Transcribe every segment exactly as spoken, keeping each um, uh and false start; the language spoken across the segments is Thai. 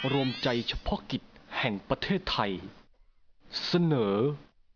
รวมใจเฉพาะกิจแห่งประเทศไทยเสนอ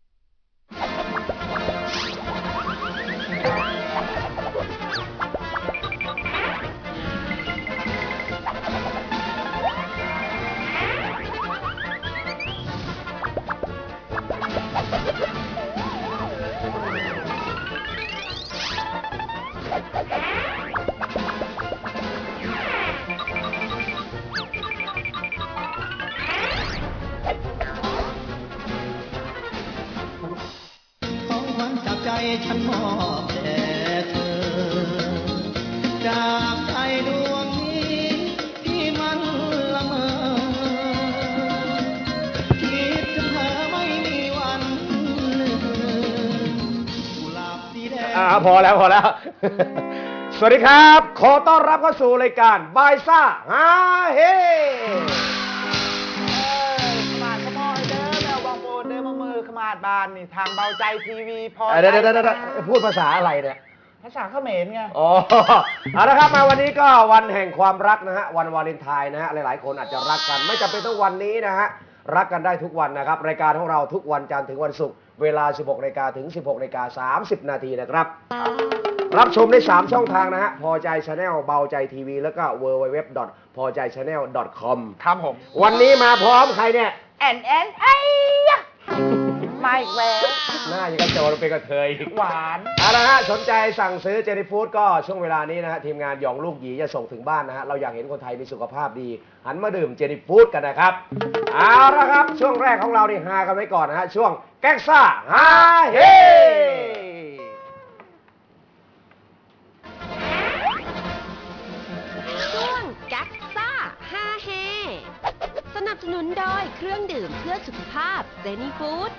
ฉันมอบแด่เธอจากใจดวงนี้ที่มันละเมอคิดถึงเธอไม่มีวันลืมกุหลาบสีแดงอ่าพอแล้วพอแล้ว สวัสดีครับขอต้อนรับเข้าสู่รายการบายซ่าฮาเฮขมาดบานนี่ทางเบาใจทีวีพอเดี๋ยวเดี๋ยวพูดภาษาอะไรเนี่ยภาษาเขมรไงอ๋อเอาละครับมาวันนี้ก็วันแห่งความรักนะฮะวันวาเลนไทน์นะฮะหลายๆคนอาจจะรักกันไม่จำเป็นต้องวันนี้นะฮะรักกันได้ทุกวันนะครับรายการของเราทุกวันจันทร์ถึงวันศุกร์เวลา สิบหกนาฬิกา ถึง สิบหกนาฬิกา สามสิบนาทีนะครับรับชมได้สามช่องทางนะฮะพอใจ Channel เบาใจทีวีแล้วก็ ดับเบิลยู ดับเบิลยู ดับเบิลยู ดอท พอใจ ชาแนล ดอท คอม ครับผมวันนี้มาพร้อมใครเนี่ยแอนแอนไอ้มาอีกแล้วหน้ายังกระโจนเป็นกระเทยหวานเอาละฮะสนใจสั่งซื้อเจนี่ฟู้ดก็ช่วงเวลานี้นะฮะทีมงานหยองลูกหยีจะส่งถึงบ้านนะฮะเราอยากเห็นคนไทยมีสุขภาพดีหันมาดื่มเจนี่ฟู้ดกันนะครับเอาละครับช่วงแรกของเรานี่ฮากันไว้ก่อนนะฮะช่วงแก๊กซ่าฮาเฮช่วงแก๊กซ่าฮาเฮสนับสนุนโดยเครื่องดื่มเพื่อสุขภาพเจนี่ฟู้ด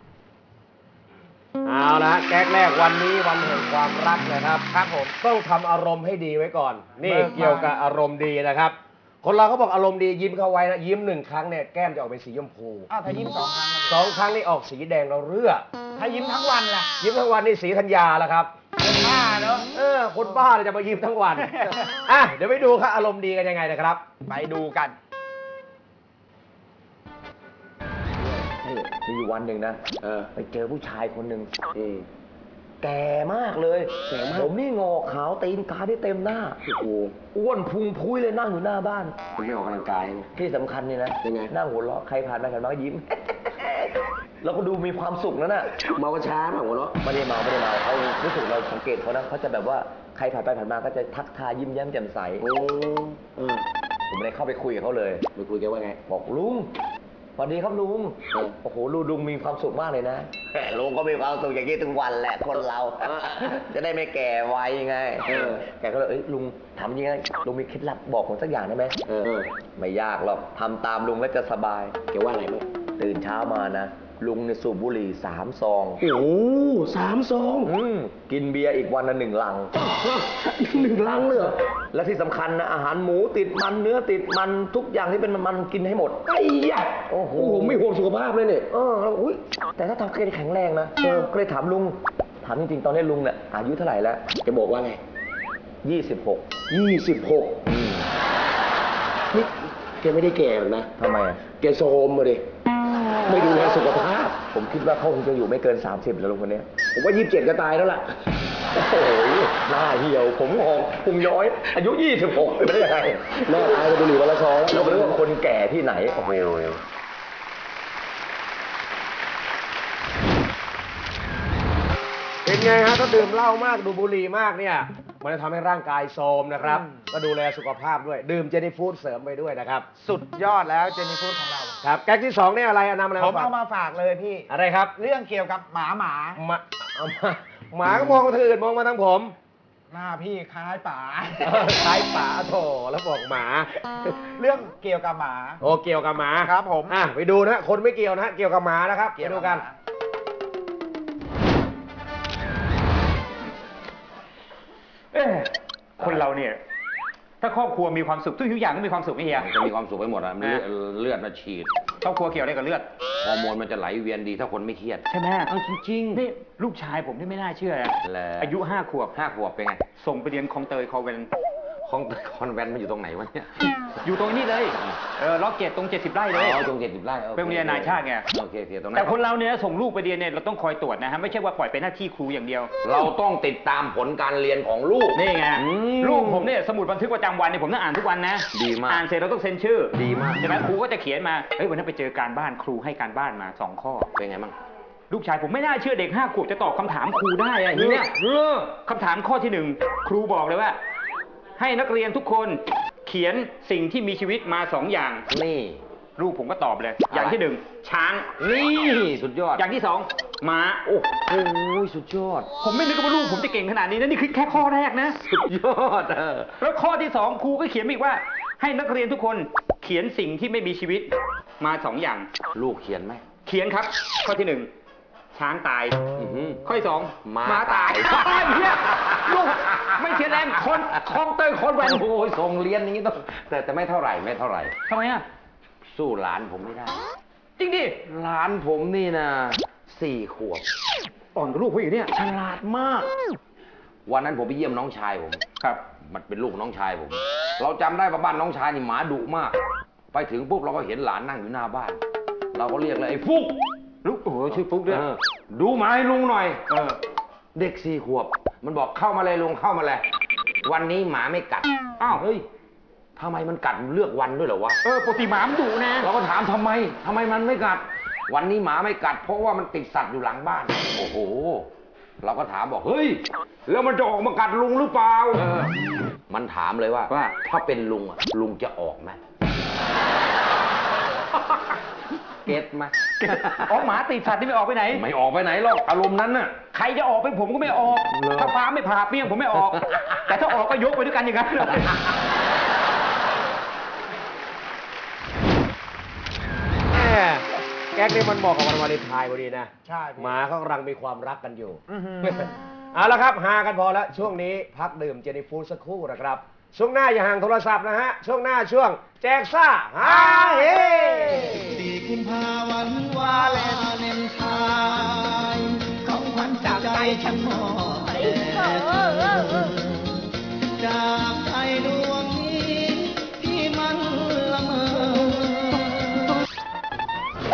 เอาละแก๊กแรกวันนี้วันแห่งความรักนะครับครับผมต้องทำอารมณ์ให้ดีไว้ก่อนนี่เกี่ยวกับอารมณ์ดีนะครับคนเราเขาบอกอารมณ์ดียิ้มเข้าไว้นะยิ้มหนึ่งครั้งเนี่ยแก้มจะออกเป็นสีชมพูอ้าวถ้ายิ้มสองครั้งสองครั้งนี่ออกสีแดงเราเรือถ้ายิ้มทั้งวันล่ะยิ้มทั้งวันนี่สีธัญญาแล้วครับคนบ้าเนาะเออคนบ้าเลยจะมายิ้มทั้งวันอ่ะเดี๋ยวไปดูครับอารมณ์ดีกันยังไงนะครับไปดูกันมีอยู่วันหนึ่งนะเออไปเจอผู้ชายคนหนึ่งแก่มากเลยแก่มากผมนี่งอขาวตีนกาได้เต็มหน้าโอ้โหอ้วนพุงพุ้ยเลยนั่งอยู่หน้าบ้านคุณไม่ออกกำลังกายที่สำคัญนี่นะยังไงนั่งหัวเราะใครผ่านไปผ่านมาก็ยิ้มแล้วก็ดูมีความสุขนั่นน่ะเมาช้าเมาหัวเราะไม่ได้เมาไม่ได้เมาเขารู้สึกเราสังเกตเขานะเขาจะแบบว่าใครผ่านไปผ่านมาก็จะทักทายยิ้มแย้มแจ่มใสโอ้ผมเลยเข้าไปคุยกับเขาเลยไปคุยกันว่าไงบอกลุงสวัสดีครับลุงโอ้โหลุงลุงมีความสุขมากเลยนะลุงก็มีความสุขอย่างนี้ทุกวันแหละคนเราจะได้ไม่แก่ไวไงแกก็เลยเอ้ยลุงถามยังไงลุงมีเคล็ดลับบอกผมสักอย่างได้ไหมไม่ยากหรอกทำตามลุงแล้วจะสบายแกว่าอะไรมั้งตื่นเช้ามานะลุงเนี่ยสูบบุหรี่สามซองโอ้สามซองกินเบียร์อีกวันละหนึ่งลังหนึ่งลังเลยและที่สำคัญนะอาหารหมูติดมันเนื้อติดมันทุกอย่างที่เป็นมันกินให้หมดไอ้ยะโอ้โหผมไม่ห่วงสุขภาพเลยเนี่ยเอออุ้ยแต่ถ้าทำเกณฑ์แข็งแรงนะเออก็เลยถามลุงถามจริงๆตอนนี้ลุงเนี่ยอายุเท่าไหร่แล้วแกบอกว่าไงยี่สิบหกยี่สิบหกนี่แกไม่ได้แก่หรอกนะทำไมอ่ะแกโซมมาดิไม่ดูแลสุขภาพผมคิดว่าเขาคงจะอยู่ไม่เกินสามสิบแล้วลุงคนนี้ผมว่ายี่สิบเจ็ดก็ตายแล้วล่ะโอ้โหหน้าเหี่ยวผมงอกพุงย้อยอายุยี่สิบหกเป็นได้ยังไงหน้าตายกับบุหรี่วันละซองแล้วเรื่องคนแก่ที่ไหนโอ้โหเป็นไงฮะถ้าดื่มเหล้ามากดูบุหรี่มากเนี่ยมันจะทำให้ร่างกายโทรมนะครับก็ดูแลสุขภาพด้วยดื่มเจนี่ฟู้ดเสริมไปด้วยนะครับสุดยอดแล้วเจนี่ฟู้ดของเราครับแก๊กที่สองเนี่ยอะไรนำอะไรผมเอามาฝากเลยพี่อะไรครับเรื่องเกี่ยวกับหมาหมาเอามาหมาก็มองมาทางอื่นมองมาทางผมหน้าพี่คล้ายป๋าคล้ายป๋าโถแล้วบอกหมาเรื่องเกี่ยวกับหมาโอ้เกี่ยวกับหมาครับผมอ่ะไปดูนะคนไม่เกี่ยวนะเกี่ยวกับหมานะครับไปดูกันคนเราเนี่ยถ้าครอบครัวมีความสุขทุกอย่างก็มีความสุขไม่เฮียจะมีความสุขไปหมดอ่ะเลือดมันฉีดครอบครัวเกี่ยวอะไรกับเลือดฮอร์โมนมันจะไหลเวียนดีถ้าคนไม่เครียดใช่ไหมเอาจริงๆนี่ลูกชายผมที่ไม่น่าเชื่ออายุห้าขวบห้าขวบเป็นไงส่งไปเรียนคลองเตยคอเวนคของคอนแวนต์มันอยู่ตรงไหนวะเนี่ยอยู่ตรงนี้เลย เออล็อกเก็ตตรงเจ็ดสิบไร่เลยอ๋อตรงเจ็ดสิบไร่โอคเป็นโรงเรียนนานาชาติไงโอเคโอเคตรงนั้นแต่คนเราเนี่ยส่งลูกไปเรียนเนี่ยเราต้องคอยตรวจนะฮะไม่ใช่ว่าปล่อยเป็นหน้าที่ครูอย่างเดียวเราต้องติดตามผลการเรียนของลูกนี่ไงอืมลูกผมเนี่ยสมุดบันทึกประจำวันเนี่ยผมต้องอ่านทุกวันนะดีมากอ่านเสร็จเราต้องเซ็นชื่อดีมากใช่ไหมครูก็จะเขียนมาเฮ้ยวันนั้นไปเจอการบ้านครูให้การบ้านมาสองข้อเป็นไงบ้างลูกชายผมไม่น่าเชื่อเด็กห้าขวบจะตอบคำถามครูได้อะอย่างเนี้ยคำถามข้อที่หนึ่งครูบอกเลยว่า ให้นักเรียนทุกคนเขียนสิ่งที่มีชีวิตมาสองอย่างนี่ลูกผมก็ตอบเลย อย่างที่หนึ่งช้างนี่สุดยอดอย่างที่สองม้าโอ้โหสุดยอดผมไม่นึกว่าลูกผมจะเก่งขนาดนี้นะนี่คือแค่ข้อแรกนะสุดยอดเออแล้วข้อที่สองครูก็เขียนมาอีกว่า ให้นักเรียนทุกคนเขียนสิ่งที่ไม่มีชีวิตมาสองอย่างลูกเขียนไหมเขียนครับ ข้อที่หนึ่งช้างตายอื้อหือข้อที่สองม้าตายตายไอ้เหี้ยลูกไม่เขียนแรงคนคลองเตยคนแวนโอ้ยส่งเรียนอย่างนี้ต้องแต่แต่ไม่เท่าไหร่ไม่เท่าไหร่ทำไมอ่ะสู้หลานผมไม่ได้จริงดิหลานผมนี่นะสี่ขวบอ่อนกับลูกผู้หญิงเนี่ยฉลาดมาก วันนั้นผมไปเยี่ยมน้องชายผมครับมันเป็นลูกน้องชายผม เราจำได้ว่าบ้านน้องชายนี่หมาดุมาก ไปถึงปุ๊บเราก็เห็นหลานนั่งอยู่หน้าบ้าน เราก็เรียกเลยไอ้ฟุกลูกโอ้โหชื่อฟุกด้วยเออดูหมาให้ลุงหน่อยเออเด็กสี่ขวบ มันบอกเข้ามาเลยลุงเข้ามาเลย วันนี้หมาไม่กัดอ้าวเฮ้ยทำไมมันกัดเลือกวันด้วยเหรอวะเออปกติหมามันดุนะเราก็ถามทำไมทำไมมันไม่กัด วันนี้หมาไม่กัด เพราะว่ามันติดสัตว์อยู่หลังบ้าน โอ้โห เราก็ถามบอกเฮ้ยแล้วมันจะออกมากัดลุงหรือเปล่าเออมันถามเลยว่าว่าถ้าเป็นลุงอ่ะลุงจะออกไหม เก็ตไหมอ๋อหมาติดสัตว์ที่ไม่ออกไปไหนไม่ออกไปไหนหรอกอารมณ์นั้นน่ะใครจะออกเป็นผมก็ไม่ออกเหรอถ้าฟ้าไม่ผ่าเปรี้ยงผมไม่ออก แต่ถ้าออกก็ยกไปด้วยกันอย่างนั้นเลยแหมแก๊กนี่มันเหมาะกับวันวาเลนไทน์พอดีนะใช่พี่หมาเขากำลังมีความรักกันอยู่ เอาละครับหากันพอแล้ว ช่วงนี้พักดื่มเจนี่ฟูดสักครู่นะครับ ช่วงหน้าอย่าห่างโทรศัพท์นะฮะ ช่วงหน้าช่วงแจกซ่าฮาเฮสี่กุมภาวันวาเลนไทน์ของขวัญจากใจฉันมอบแด่จากใจดวงนี้ที่มันละเมอ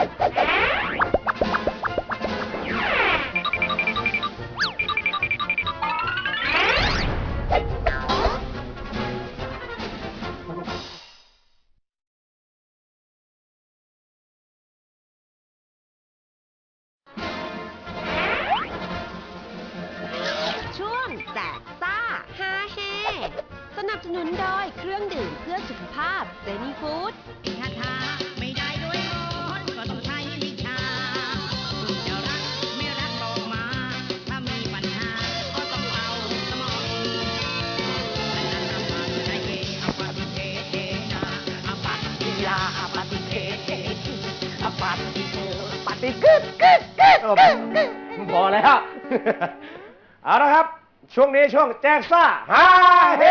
ช่วงแจกซ่าฮาเฮสนับสนุนโดยเครื่องดื่มเพื่อสุขภาพเซนีฟู้ดคาถาไม่ได้ด้วยมนต์ก็ต้องใช้วิชาจะรักไม่รักบอกมา ถ้ามีปัญหาก็ต้องเอาสมองและนั่นนำมาใจเกอปฏิเทเทนาอปัตติลาอปฏิเทเทอปัตติโกปฏิกึดกึดกึดเออพอแล้ว เอาละครับ ช่วงนี้ช่วงแจกซ่าฮาเฮ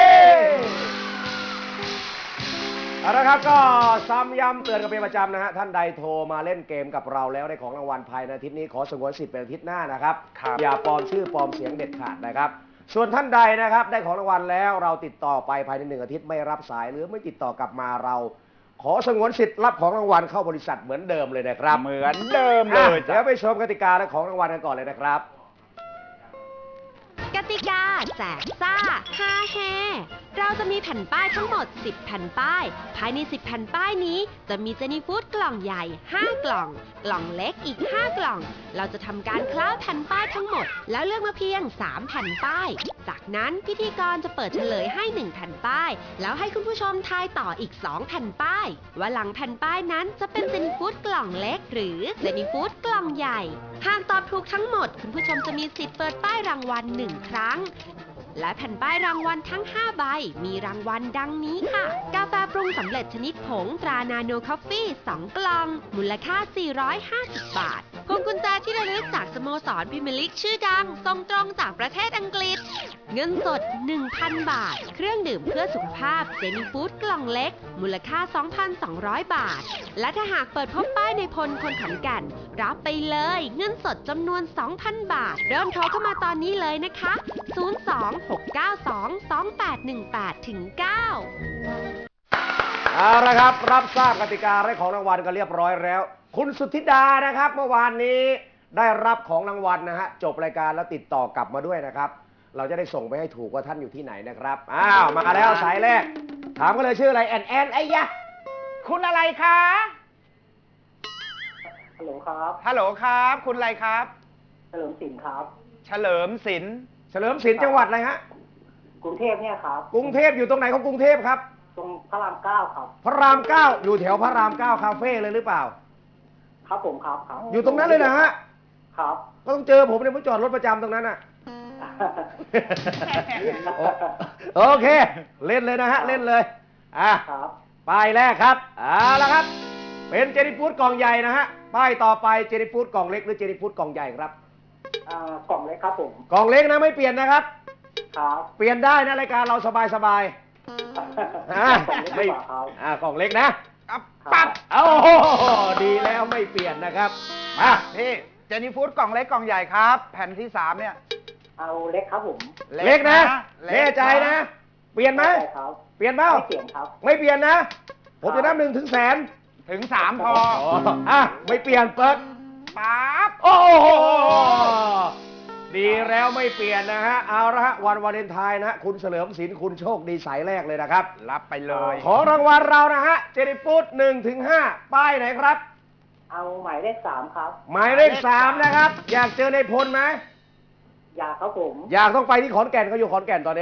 เอาละครับก็ซ้ำย้ำเตือนกันเป็นประจำนะฮะท่านใดโทรมาเล่นเกมกับเราแล้วได้ของรางวัลภายในอาทิตย์นี้ขอสงวนสิทธิ์เป็นอาทิตย์หน้านะครับ อย่าปลอมชื่อปลอมเสียงเด็ดขาดนะครับ ส่วนท่านใดนะครับได้ของรางวัลแล้วเราติดต่อไปภายในหนึ่งอาทิตย์ไม่รับสายหรือไม่ติดต่อกลับมาเรา ขอสงวนสิทธิ์รับของรางวัลเข้าบริษัทเหมือนเดิมเลยนะครับเหมือนเดิมเลยอ่ะเดี๋ยวไปชมกติกาและของรางวัลกันก่อนเลยนะครับกติกาแจกซ่าฮาเฮเราจะมีแผ่นป้ายทั้งหมดสิบแผ่นป้าย ภายในสิบแผ่นป้ายนี้จะมีเจนี่ฟู้ดกล่องใหญ่ห้ากล่อง กล่องเล็กอีกห้ากล่อง เราจะทำการคล้าแผ่นป้ายทั้งหมด แล้วเลือกมาเพียงสามแผ่นป้าย จากนั้นพิธีกรจะเปิดเฉลยให้หนึ่งแผ่นป้าย แล้วให้คุณผู้ชมทายต่ออีกสองแผ่นป้าย ว่าหลังแผ่นป้ายนั้นจะเป็นเจนี่ฟู้ดกล่องเล็ก หรือเจนี่ฟู้ดกล่องใหญ่ หากตอบถูกทั้งหมด คุณผู้ชมจะมีสิทธิ์เปิดป้ายรางวัลหนึ่งครั้ง และแผ่นป้ายรางวัลทั้งห้าใบ มีรางวัลดังนี้ค่ะ กาแฟปรุงสำเร็จชนิดผงตรานาโนคอฟฟี่สองกล่องมูลค่าสี่ร้อยห้าสิบบาทพวงกุญแจที่ระลึกจากสโมสรพรีเมียร์ลีกชื่อดังส่งตรงจากประเทศอังกฤษเงินสด หนึ่งพัน บาทเครื่องดื่มเพื่อสุขภาพเจนี่ฟู้ดกล่องเล็กมูลค่า สองพันสองร้อย บาทและถ้าหากเปิดพบป้ายในพลคนขอนแก่นรับไปเลยเงินสดจำนวน สองพัน บาทเริ่มโทรเข้ามาตอนนี้เลยนะคะศูนย์ สอง หก เก้า สอง สอง แปด หนึ่ง แปด เก้าเอาละครับรับทราบกติกาและของรางวัลกันเรียบร้อยแล้วคุณสุทธิดานะครับเมื่อวานนี้ได้รับของรางวัลนะฮะจบรายการแล้วติดต่อกลับมาด้วยนะครับเราจะได้ส่งไปให้ถูกว่าท่านอยู่ที่ไหนนะครับอ้าวมาแล้วสายแรกถามกันเลยชื่ออะไรแอนแอนไอ้ยะคุณอะไรคะฮัลโหลครับฮัลโหลครับคุณอะไรครับเฉลิมศิลป์ครับเฉลิมศิลป์เฉลิมศิลป์จังหวัดอะไรฮะกรุงเทพเนี่ยครับกรุงเทพอยู่ตรงไหนของกรุงเทพครับตรงพระรามเก้าครับพระรามเก้าอยู่แถวพระรามเก้าคาเฟ่เลยหรือเปล่าครับผมครับครับอยู่ตรงนั้นเลยนะฮะครับก็ต้องเจอผมเนี่ยผมจอดรถประจำตรงนั้นอ่ะ โอเค เล่นเลยนะฮะ เล่นเลยอ่ะครับป้ายแรกครับเอาละครับ เป็นเจนี่ฟู้ดกล่องใหญ่นะฮะป้ายต่อไปเจนี่ฟู้ดกล่องเล็กหรือเจนี่ฟู้ดกล่องใหญ่ครับอ่ากล่องเล็กครับผมกล่องเล็กนะไม่เปลี่ยนนะครับครับเปลี่ยนได้นะรายการเราสบายสบายๆอ่ะกล่องเล็กไม่ดีกว่าครับอ่ากล่องเล็กนะครับปั๊บโอ้โหดีแล้วไม่เปลี่ยนนะครับมาพี่เจนี่ฟู้ดกล่องเล็กกล่องใหญ่ครับ แผ่นที่สามเนี่ยเอาเล็กครับผมเล็กนะเล็แน่กใจนะ เปลี่ยนไหมได้ครับเปลี่ยนเปล่าไม่เปลี่ยนครับไม่เปลี่ยนนะ ผมจะนับหนึ่งถึงแสนถึงสามพออ่ะไม่เปลี่ยนเปิดปั๊บโอ้โหดีแล้วไม่เปลี่ยนนะฮะเอาละฮะวันวาเลนไทน์นะฮะคุณเฉลิมศิลป์คุณโชคดีสายแรกเลยนะครับรับไปเลยของรางวัลเรานะฮะเจนี่ฟู้ดหนึ่งถึงห้าป้ายไหนครับเอาหมายเลขสามครับหมายเลขสามนะครับ อยากเจอในพลไหมอยากครับผมอยากต้องไปที่ขอนแก่นเขาอยู่ขอนแก่นตอนนี้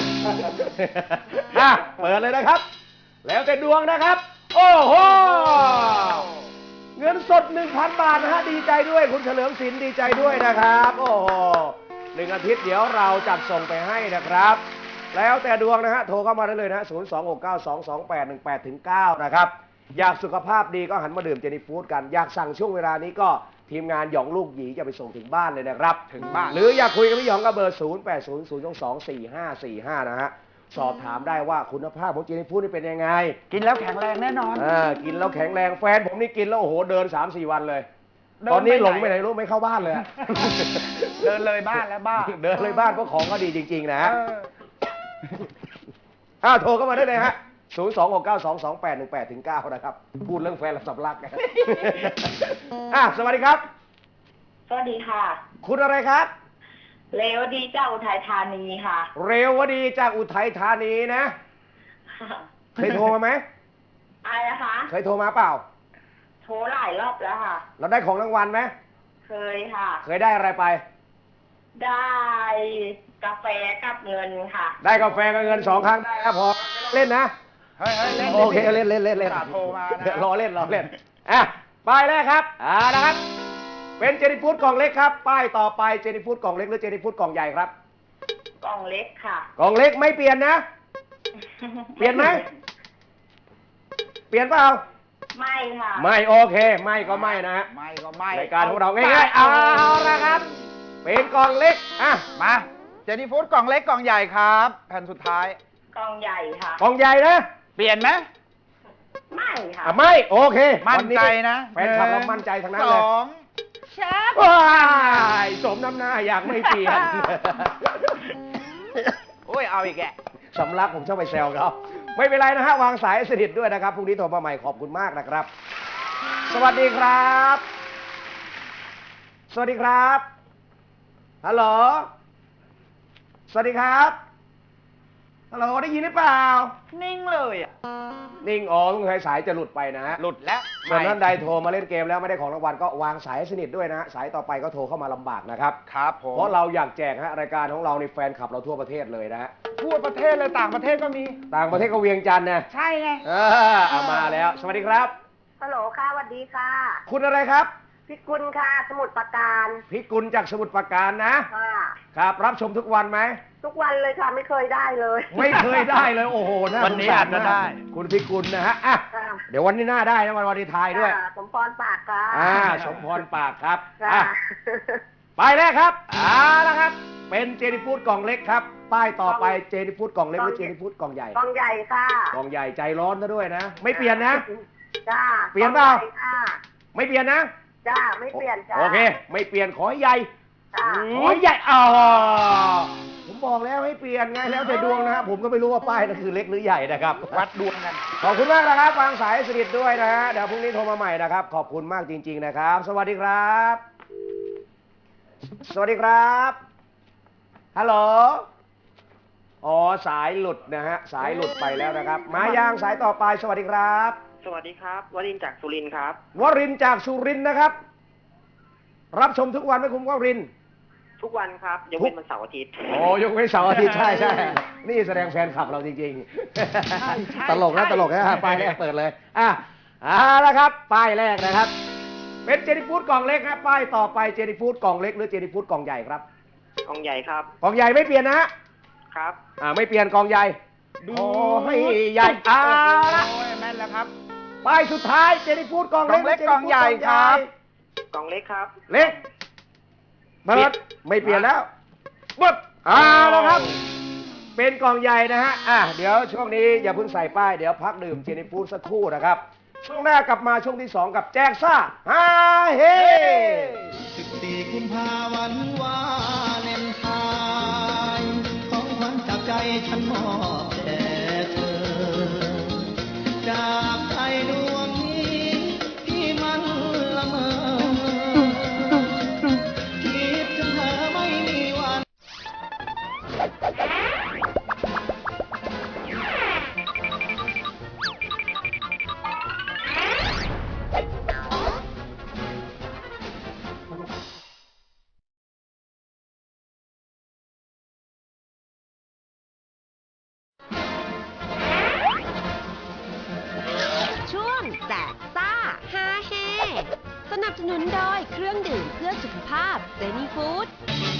อ่ะเปิดเลยนะครับ แล้วแต่ดวงนะครับ โอ้โหเงินสด หนึ่งพัน บาทนะฮะดีใจด้วยคุณเฉลิมศิลป์ดีใจด้วยนะครับ โอ้โหหนึ่งอาทิตย์เดี๋ยวเราจัดส่งไปให้นะครับ แล้วแต่ดวงนะฮะโทรเข้ามาได้เลยนะศูนย์ สอง หก เก้า สอง สอง แปด หนึ่ง แปด เก้านะครับอยากสุขภาพดีก็หันมาดื่มเจนี่ฟู้ดกันอยากสั่งช่วงเวลานี้ก็ทีมงานหยองลูกหยีจะไปส่งถึงบ้านเลยนะครับถึงบ้านหรืออยากคุยกับพี่หยองก็เบอร์ ศูนย์ แปด ศูนย์ ศูนย์ สอง สี่ ห้า สี่ ห้า นะฮะสอบถามได้ว่าคุณภาพของเจนี่ฟู้ดนี่เป็นยังไงกินแล้วแข็งแรงแน่นอนเออกินแล้วแข็งแรงแฟนผมนี่กินแล้วโอ้โหเดิน สามสี่ วันเลยเดินตอนนี้ไปไหนหลงไปไหนรู้ไม่เข้าบ้านเลยอะเดินเลยบ้านแล้วบ้าเดินเลยบ้านเพราะของก็ดีจริง ๆ นะฮะเอออ้าวโทรเข้ามาได้เลยฮะ ศูนย์ สอง หก เก้า สอง สอง แปด หนึ่ง แปด เก้า นะครับ พูดเรื่องแฟนและสำลักกัน อ่ะสวัสดีครับสวัสดีค่ะคุณอะไรครับเลวดีเจ้าอุทัยธานีค่ะเรวดีจากอุทัยธานีนะ เคยโทรมาไหมอะไรนะคะเคยโทรมาเปล่าโทรหลายรอบแล้วค่ะเราได้ของรางวัลไหมเคยค่ะเคยได้อะไรไปได้กาแฟกับเงินค่ะได้กาแฟกับเงินสองครั้งได้ครับพอเล่นนะเฮ้ยเฮ้ยเล่นโอเคเล่นเล่นเล่นเล่นอุตส่าห์โทรมานะรอเล่นรอเล่นอ่ะป้ายแรกครับอ่านะครับ เป็นเจนี่ฟู้ดกล่องเล็กครับ ป้ายต่อไปเจนี่ฟู้ดกล่องเล็กหรือเจนี่ฟู้ดกล่องใหญ่ครับกล่องเล็กค่ะกล่องเล็กไม่เปลี่ยนนะ เปลี่ยนไหม เปลี่ยนเปล่าไม่ค่ะไม่โอเค ไม่ก็ไม่นะฮะไม่ก็ไม่รายการของเราง่ายๆเอาละครับ เป็นกล่องเล็กอ่ะมาเจนี่ฟู้ดกล่องเล็กกล่องใหญ่ครับ แผ่นสุดท้ายกล่องใหญ่ค่ะกล่องใหญ่นะเปลี่ยนไหมไม่ค่ะอ่ะไม่โอเคมั่นใจนะแฟนคลับเรามั่นใจทั้งนั้นสเลยองว้ายสมน้ำหน้าอยากไม่เปลี่ยนโอ้ยเอาอีกแกสำลักผมชอบไปแซวเขาไม่เป็นไรนะฮะวางสายให้สนิทด้วยนะครับพรุ่งนี้โทรมาใหม่ขอบคุณมากนะครับ สวัสดีครับ สวัสดีครับฮัลโหลสวัสดีครับฮัลโหลได้ยินหรือเปล่านิ่งเลยอ่ะนิ่งอ๋อสงสัยสายจะหลุดไปนะฮะหลุดแล้วส่วนท่านใดโทรมาเล่นเกมแล้วไม่ได้ของรางวัลก็วางสายให้สนิทด้วยนะฮะสายต่อไปก็โทรเข้ามาลำบากนะครับครับผมเพราะเราอยากแจกฮะรายการของเราในแฟนคลับเราทั่วประเทศเลยนะฮะทั่วประเทศเลยต่างประเทศก็มีต่างประเทศก็เวียงจันทร์นะใช่ไงเออเอามาแล้ว สวัสดีครับฮัลโหลค่ะสวัสดีค่ะคุณอะไรครับพี่กุลค่ะ สมุทรปราการพิกุลจากสมุทรปราการนะค่ะครับ รับชมทุกวันไหมทุกวันเลยค่ะ ไม่เคยได้เลยไม่เคยได้เลย โอ้โหาวันนี้สงสรอาจจะได้มกคุณพิกุลนะฮะอ่ะค่ะเดี๋ยววันนี้หน้าได้นะวันวันนี้ทายด้วยค่ะสมพรปากค่ะอ่าสมพรปากครับค่ะอ่ะไปแรกครับเอาละครับ เป็นเจนิฟูดกล่องเล็กครับ ป้ายต่อไปเจนิฟูดกล่องเล็กหรือเจนิฟูดกล่องใหญ่กองใหญ่ค่ะกล่องใหญ่ใจร้อนซะด้วยนะ ไม่เปลี่ยนนะจ้าเปลี่ยนเปล่ากองใหญ่ค่ะไม่เปลี่ยนนะจ้า ไม่เปลี่ยนจ้าโอเค ไม่เปลี่ยนขอให้ใหญ่จ้าขอให้ใหญ่อ๋อผมบอกแล้วให้เปลี่ยนไงแล้วแต่ดวงนะครับผมก็ไม่รู้ว่าป้ายนั่นคือเล็กหรือใหญ่นะครับวัดดวงกันขอบคุณมากนะครับวางสายสนิทด้วยนะฮะเดี๋ยวพรุ่งนี้โทรมาใหม่นะครับ ขอบคุณมากจริง ๆนะครับ สวัสดีครับ สวัสดีครับฮัลโหลอ๋อสายหลุดนะฮะสายหลุดไปแล้วนะครับ มายางสายต่อไปสวัสดีครับสวัสดีครับ วรินทร์จากสุรินทร์ครับวรินทร์จากสุรินทร์นะครับ รับชมทุกวันไหมคุณวรินทร์ทุกวันครับยกเว้นวันเสาร์อาทิตย์โอ้ยกเว้นเสาร์อาทิตย์ใช่ใช่นี่แสดงแฟนคลับเราจริงๆ ตลกนะตลกนะป้ายแรกเปิดเลยอ่ะเอาละครับ ป้ายแรกนะครับ เป็นเจนิฟูดกล่องเล็กครับป้ายต่อไปเจนิฟูดกล่องเล็กหรือเจนิฟูดกล่องใหญ่ครับกองใหญ่ครับกล่องใหญ่ไม่เปลี่ยนนะฮะครับอ่าไม่เปลี่ยนกล่องใหญ่โอ้ให้ใหญ่เอาละโอ้ยแม่นแล้วครับป้ายสุดท้ายเจนิฟูดกล่องกล่องเล็กกล่องใหญ่ครับกองเล็กครับเล็กเปิดไม่เปลี่ยนแล้วปึ๊บเอาละครับ เป็นกล่องใหญ่นะฮะ อ่ะ เดี๋ยวช่วงนี้อย่าเพิ่งใส่ป้าย เดี๋ยวพักดื่มเจนิฟูดสักครู่นะครับ ช่วงหน้ากลับมาช่วงที่สองกับแจกซ่าฮาเฮสิบสี่กุมภาวันวาเลนไทน์ของขวัญจากใจฉันมอบแด่เธอ จากใจดวงนี้ที่มันละเมอคิดถึงเธอไม่มีวันช่วงแจกซ่าฮาเฮสนับสนุนโดยเครื่องดื่มเพื่อสุขภาพเจนี่ฟู้ด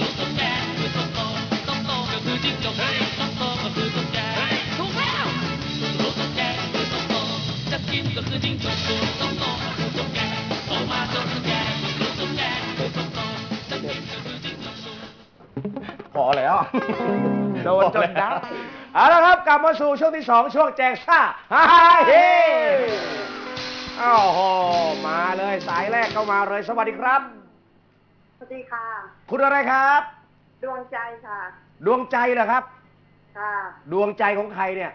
พอแล้วโดนจนได้เอาละครับกลับมาสู่ช่วงที่สองช่วงแจกซ่าฮาเฮอ้าวโหมาเลยสายแรกเข้ามาเลยสวัสดีครับสวัสดีค่ะคุณอะไรครับดวงใจค่ะดวงใจเหรอครับค่ะดวงใจของใครเนี่ย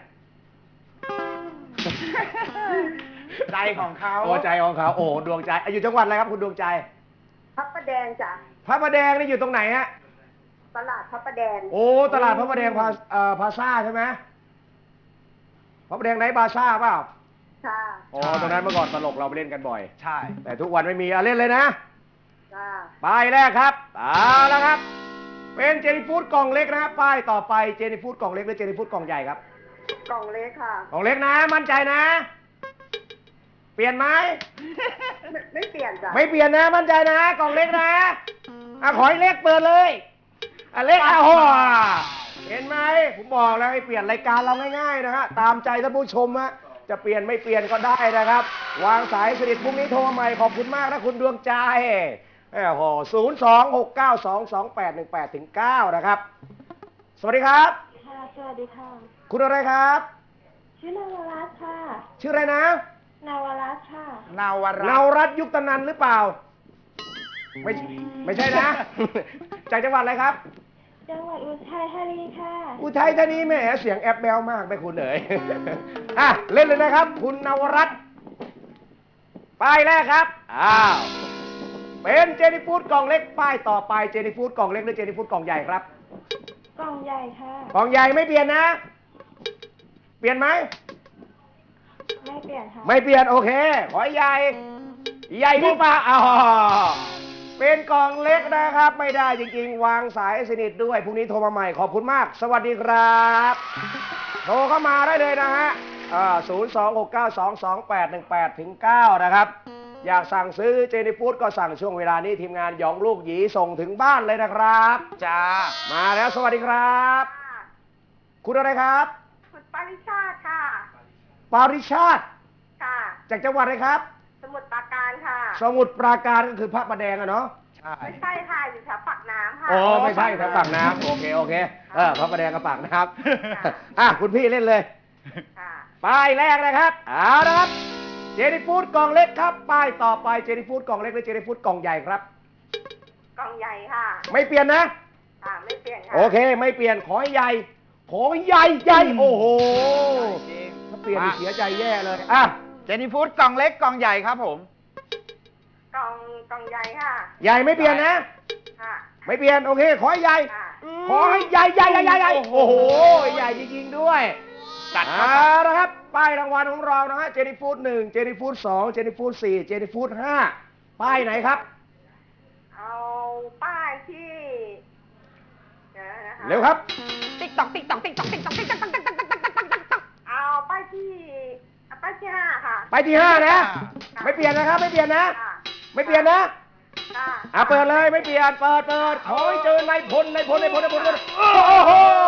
ใจของเขาโอ้ใจของเขาโอ้ดวงใจอ่ะอยู่จังหวัดอะไรครับคุณดวงใจพระประแดงจ้ะพระประแดงนี่อยู่ตรงไหนฮะตลาดพระประแดงโอ้ตลาดพระประแดงพาเอ่อพาซ่าใช่ไหมพระประแดงไหนบาซ่าเปล่าค่ะโอ้ตรงนั้นเมื่อก่อนตลกเราไปเล่นกันบ่อยใช่แต่ทุกวันไม่มีอ่ะเล่นเลยนะค่ะป้ายแรกครับเอาละครับ เป็นเจนิฟูดกล่องเล็กนะครับป้ายต่อไปเจนิฟูดกล่องเล็กหรือเจนิฟูดกล่องใหญ่ครับกล่องเล็กค่ะกล่องเล็กนะ มั่นใจนะ เปลี่ยนไหมไม่ไม่เปลี่ยนจ้ะไม่เปลี่ยนนะมั่นใจนะกล่องเล็กนะอ่ะขอให้เล็กเปิดเลยอ่ะเล็กอ่ะโหเห็นไหมผมบอกแล้วให้เปลี่ยนรายการเราง่ายๆนะฮะตามใจท่านผู้ชมฮะจะเปลี่ยนไม่เปลี่ยนก็ได้นะครับ วางสายสนิทพรุ่งนี้โทรมาใหม่ขอบคุณมากนะคุณดวงใจโอ้โหศูนย์สองหกเก้าสองสองแปดหนึ่งแปดถึงเก้านะครับ สวัสดีครับค่ะ สวัสดีค่ะคุณอะไรครับชื่อนาวรัตน์ค่ะชื่ออะไรนะนาวรัตน์ค่ะนาวรัตน์เนารัตน์ยุคตนันหรือเปล่า ไม่ไม่ใช่นะ จากจังหวัดอะไรครับจังหวัดอุทัยธานีค่ะอุทัยธานีแหมเสียงแอบแบลมากไม่คุณเอ๋ย อ่ะเล่นเลยนะครับ คุณนวรัตน์ป้ายแรกครับอ้าวเป็นเจนิฟูดกล่องเล็กป้ายต่อไปเจนิฟูดกล่องเล็กหรือเจนิฟูดกล่องใหญ่ครับกล่องใหญ่ค่ะกล่องใหญ่ไม่เปลี่ยนนะ เปลี่ยนไหมไม่เปลี่ยนค่ะไม่เปลี่ยนโอเค ขอให้ใหญ่ ใหญ่หรือเปล่าอ๋อเป็นกล่องเล็กนะครับ ไม่ได้จริงๆ วางสายสนิทด้วยพรุ่งนี้โทรมาใหม่ขอบคุณมาก สวัสดีครับโทรเข้ามาได้เลยนะฮะศูนย์สองหกเก้าสองสองแปดหนึ่งแปดถึงเก้านะครับอยากสั่งซื้อเจนี่ฟู้ดก็สั่งช่วงเวลานี้ทีมงานหยองลูกหยีส่งถึงบ้านเลยนะครับจ้ามาแล้วสวัสดีครับ คุณอะไรครับคุณปาริชาติค่ะปาริชาติค่ะจากจังหวัดอะไรครับสมุทรปราการค่ะสมุทรปราการก็คือพระประแดงอะเนาะใช่ไม่ใช่ค่ะ อยู่แถวปากน้ำค่ะอ๋อไม่ใช่ครับปากน้ำโอเคโอเคเออพระประแดงกับปากน้ำอ่ะคุณพี่เล่นเลยค่ะป้ายแรกนะครับเอาละครับเจนี่ฟู้ดกล่องเล็กครับป้ายต่อไปเจนี่ฟู้ดกล่องเล็กหรือเจนี่ฟู้ดกล่องใหญ่ครับกล่องใหญ่ค่ะไม่เปลี่ยนนะค่ะ ไม่เปลี่ยนค่ะโอเคไม่เปลี่ยนขอให้ใหญ่ขอให้ใหญ่ใหญ่โอ้โหจริงถ้าเปลี่ยนนี่เสียใจแย่เลยอ่ะเจนี่ฟู้ดกล่องเล็กกล่องใหญ่ครับผมกล่องกล่องใหญ่ค่ะใหญ่ไม่เปลี่ยนนะค่ะไม่เปลี่ยนโอเคขอให้ใหญ่ค่ะขอให้ใหญ่ใหญ่ใหญ่ใหญ่ใหญ่โอ้โหใหญ่จริงๆด้วยจัดเอาละครับป้ายรางวัลของเรานะฮะเจนี่ฟู้ดหนึ่งเจนี่ฟู้ดสองเจนี่ฟู้ดสี่เจนี่ฟู้ดห้าป้ายไหนครับเอาป้ายที่เดี๋ยวนะคะเร็วครับติ๊กตอกติ๊กตอกติ๊กตอกติ๊กตอกติ๊กตอกติ๊กตอกติ๊กตอกติ๊กตอกติ๊กตอกเอาป้ายที่เอาป้ายที่ห้าค่ะไปที่ห้านะ ไม่เปลี่ยนนะครับ ไม่เปลี่ยนนะค่ะไม่เปลี่ยนนะค่ะอ่ะเปิดเลยไม่เปลี่ยนเปิดเปิดขอให้เจอนายพลนายพลนายพลนายพลนายพลโอ้โห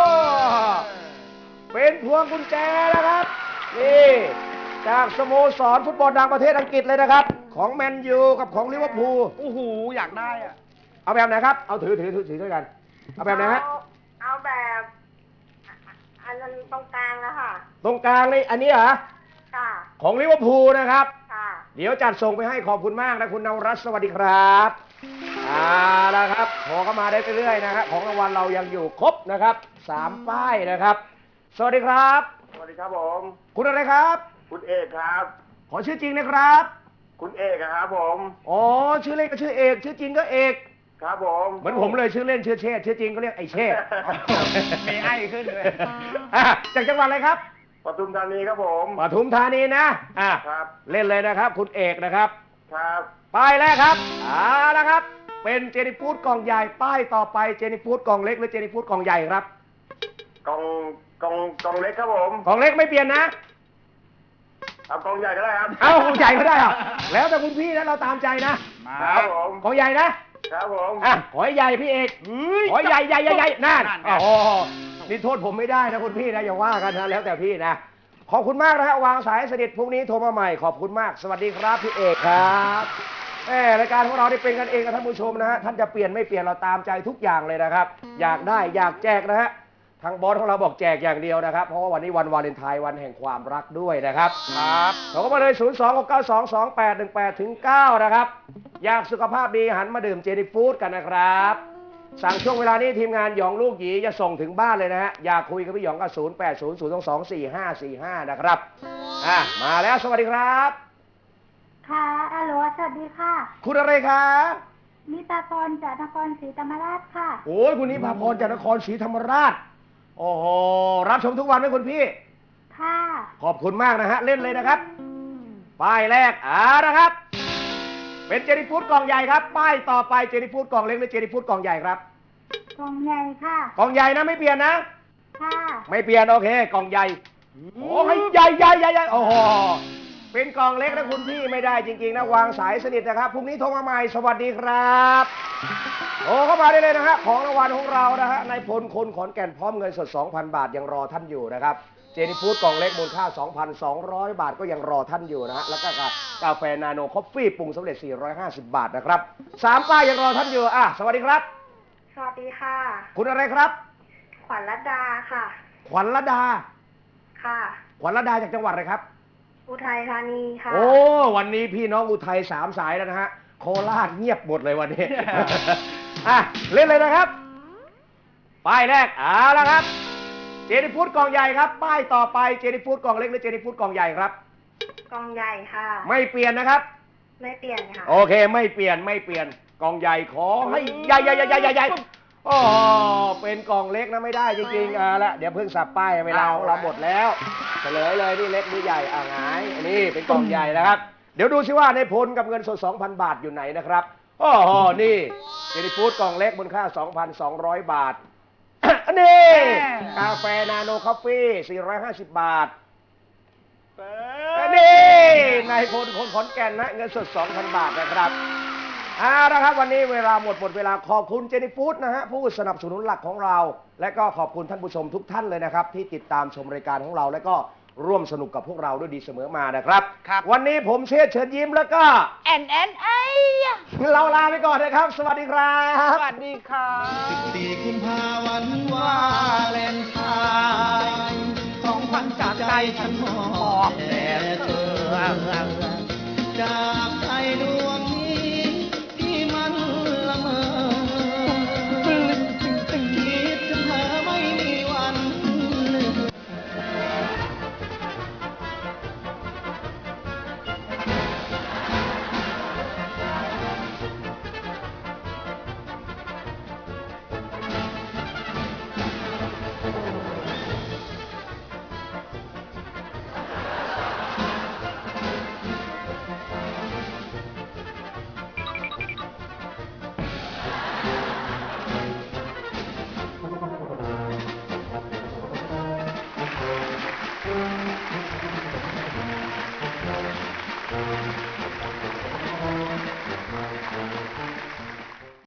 เป็นพวงกุญแจนะครับนี่จากสโมสรฟุตบอลดังประเทศอังกฤษเลยนะครับ ของแมนยูกับของลิเวอร์พูลโอ้โหอยากได้อ่ะเอาแบบไหนครับเอาถือถือถือถือด้วยกันเอาแบบไหนฮะเอาเอาแบบอันนั้นตรงกลางแล้วค่ะตรงกลางนี่อันนี้เหรอค่ะของลิเวอร์พูลนะครับค่ะเดี๋ยวจัดส่งไปให้ขอบคุณมากนะคุณนวรัตน์สวัสดีครับเอาละครับโทรเข้ามาได้เรื่อยๆนะครับของรางวัลเรายังอยู่ครบนะครับสามป้ายนะครับ สวัสดีครับสวัสดีครับผมคุณอะไรครับคุณเอกครับขอชื่อจริงนะครับคุณเอกครับผมอ๋อชื่อเล่นก็ชื่อเอกชื่อจริงก็เอกครับผมเหมือนผมเลยชื่อเล่นชื่อเชษฐ์ชื่อจริงก็เรียกไอเชษฐ์มีไอ้ขึ้นเลยอ่ะจากจังหวัดอะไรครับปทุมธานีครับผมปทุมธานีนะอ่ะครับเล่นเลยนะครับ คุณเอกนะครับครับป้ายแรกครับเอาละครับ เป็นเจนี่ฟู้ดกล่องใหญ่ ป้ายต่อไปเจนี่ฟู้ดกล่องเล็กหรือเจนี่ฟู้ดกล่องใหญ่ครับกล่องกล่องกล่องเล็กครับผมกล่องเล็กไม่เปลี่ยนนะเอากล่องใหญ่ก็ได้ครับเอากล่องใหญ่ก็ได้อะแล้วแต่คุณพี่นะเราตามใจนะมาครับผมกล่องใหญ่นะครับผมอ่ะขอให้ใหญ่พี่เอกขอให้ใหญ่ใหญ่ใหญ่ใหญ่นั่นนั่นไงโอ้โหนี่โทษผมไม่ได้นะคุณพี่นะอย่าว่ากันนะแล้วแต่พี่นะขอบคุณมากนะฮะวางสายสนิทพรุ่งนี้โทรมาใหม่ขอบคุณมากสวัสดีครับพี่เอกครับแหมรายการของเราได้เป็นกันเองกับท่านผู้ชมนะฮะท่านจะเปลี่ยนไม่เปลี่ยนเราตามใจทุกอย่างเลยนะครับ อยากได้อยากแจกนะฮะทางบอสของเราบอกแจกอย่างเดียวนะครับ เพราะว่าวันนี้วันวาเลนไทน์วันแห่งความรักด้วยนะครับครับโทรเข้ามาเลย ศูนย์ สอง หก เก้า สอง สอง แปด หนึ่ง แปด ถึง เก้า นะครับ อยากสุขภาพดีหันมาดื่มเจนี่ฟู้ดกันนะครับ สั่งช่วงเวลานี้ทีมงานหยองลูกหยีจะส่งถึงบ้านเลยนะฮะ อยากคุยกับพี่หยองก็ ศูนย์ แปด ศูนย์ ศูนย์ สอง สอง สี่ ห้า สี่ ห้า นะครับอ่ะมาแล้วสวัสดีครับค่ะฮัลโหลสวัสดีค่ะคุณอะไรคะนิตาพรจากนครศรีธรรมราชค่ะโอ้ยคุณนิพาพรจากนครศรีธรรมราช โอ้โห รับชมทุกวันไหมคุณพี่ค่ะขอบคุณมากนะฮะ เล่นเลยนะครับ ป้ายแรกอ่านะครับ เป็นเจนี่ฟู้ดกล่องใหญ่ครับ ป้ายต่อไปเจนี่ฟู้ดกล่องเล็กหรือเจนี่ฟู้ดกล่องใหญ่ครับกล่องใหญ่ค่ะกล่องใหญ่นะไม่เปลี่ยนนะค่ะไม่เปลี่ยนโอเค กล่องใหญ่โอ้ให้ใหญ่ใหญ่ใหญ่ใหญ่โอ้โห เป็นกล่องเล็กนะคุณพี่ไม่ได้จริงๆนะวางสายสนิทนะครับ พรุ่งนี้โทรมาใหม่สวัสดีครับโทรเข้ามาได้เลยนะฮะของรางวัลของเรานะฮะนายพลคนขอนแก่นพร้อมเงินสด สองพัน บาทยังรอท่านอยู่นะครับ เจนี่ฟู้ดกล่องเล็กมูลค่า สองพันสองร้อย บาทก็ยังรอท่านอยู่นะฮะแล้วก็กาแฟนาโนคอฟฟี่ปรุงสำเร็จ สี่ร้อยห้าสิบ บาทนะครับสามป้ายยังรอท่านอยู่อ่ะสวัสดีครับสวัสดีค่ะคุณอะไรครับขวัญรัตดาค่ะขวัญระดาค่ะขวัญระดาจากจังหวัดอะไรครับอุทัยธานีค่ะโอ้วันนี้พี่น้องอุทัยสามสายแล้วนะฮะโคราชเงียบหมดเลยวันนี้ อ่ะเล่นเลยนะครับป้ายแรกเอาละครับเจนี่ฟู้ดกล่องใหญ่ครับป้ายต่อไปเจนี่ฟู้ดกล่องเล็กหรือเจนี่ฟู้ดกล่องใหญ่ครับกล่องใหญ่ค่ะไม่เปลี่ยนนะครับไม่เปลี่ยนค่ะโอเคไม่เปลี่ยนไม่เปลี่ยนกล่องใหญ่ขอให้ใหญ่ใหญ่ใหญ่ใหญ่ใหญ่ใหญ่โอ้เป็นกล่องเล็กนะไม่ได้จริงๆอ่าละเดี๋ยวเพิ่งสับป้ายเวลาของเราหมดแล้วเฉลยเลยนี่เล็กหรือใหญ่อ่าหงายอันนี้เป็นกล่องใหญ่นะครับเดี๋ยวดูซิว่าในพลกับเงินสด สองพัน บาทอยู่ไหนนะครับโอ้โหนี่เจนี่ฟู้ดกล่องเล็กมูลค่า สองพันสองร้อย บาท อันนี้กาแฟนาโนคอฟฟี่สี่ร้อยห้าสิบ บาทอันดีนายพลคนขอนแก่นนะเงินสด สองพัน บาทนะครับเอาละครับวันนี้เวลาหมดหมดเวลาขอบคุณเจนี่ฟู้ดนะฮะผู้สนับสนุนหลักของเรา และก็ขอบคุณท่านผู้ชมทุกท่านเลยนะครับที่ติดตามชมรายการของเราและก็ร่วมสนุกกับพวกเราด้วยดีเสมอมานะครับวันนี้ผมเชษฐ์เชิญยิ้มแล้วก็แอนแอนไอเราลาไปก่อนนะครับ สวัสดีครับสวัสดีครับสิบสี่กุมภาพันธ์วาเลนไทน์ของขวัญจากใจฉันมอบแด่เธอจากใจดว